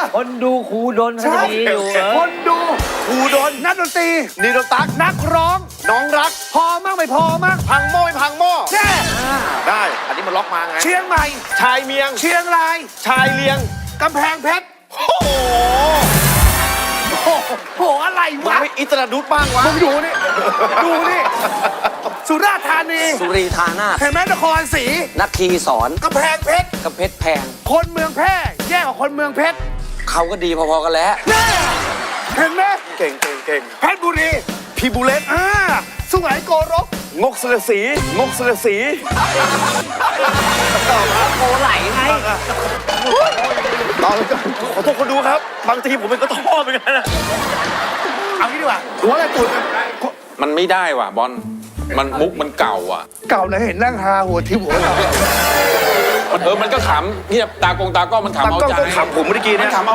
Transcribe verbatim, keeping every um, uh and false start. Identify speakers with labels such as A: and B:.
A: คนดูครูดนเขาจะดีอยู่เออ
B: คนดู
C: ครูดน
B: นักดนตรี
C: นีโดตัก
B: นักร้อง
C: น้องรัก
B: พอมั่งไม่พอมั่ง
C: พังหม้อไม่พังหม้อ
B: แน่
C: ได้ อันนี้มันล็อกมาไง
B: เชียงใหม่
C: ชายเมียง
B: เชียงราย
C: ชายเลียง
B: กำแพงเพชร
C: โอ้โห
B: โอ้โหอะไร
C: มึง
B: วะ
C: ไม่อิตราดุดบ้างวะ
B: มึงดูนี่ดูนี่สุราษฎร์ธานี
A: สุรีธานาถ
B: เห็นไหมนครศรี
A: นักคีสอน
B: กำแพงเพชร
A: กระเพชรแพง
B: คนเมืองแพร่แย่กว่าคนเมืองเพชร
A: เขาก็ดีพอๆกันแล้ว
B: แน่เห็นไหม
C: เก่งเก่งเก่ง
B: เพชรบุรี
C: พี่บุเลต
B: อ่าสุไหงโกรก
C: งกเสลสีงกเสลสี
A: โอไหลไง
C: ต่อเลยขอโทษคนดูครับ บางทีผมเป็นกระท้อเหมือนกันนะ
B: เอางี้ดีกว่าหัวอะไรตูด
D: มันไม่ได้ว่ะบอล มันมุกมันเก่าอ่ะ
B: เก่าเลยเห็นนั่งฮาหัวทิ่มหัวเรา
D: มันเออ มันก็ขำเงียบตากงตากล้องมันขำ
C: ตา
D: เอา
C: กล้อง
D: ใจ
C: ก็ขำผมเมื่อกี้
D: มั
C: นะ
D: นขำเอา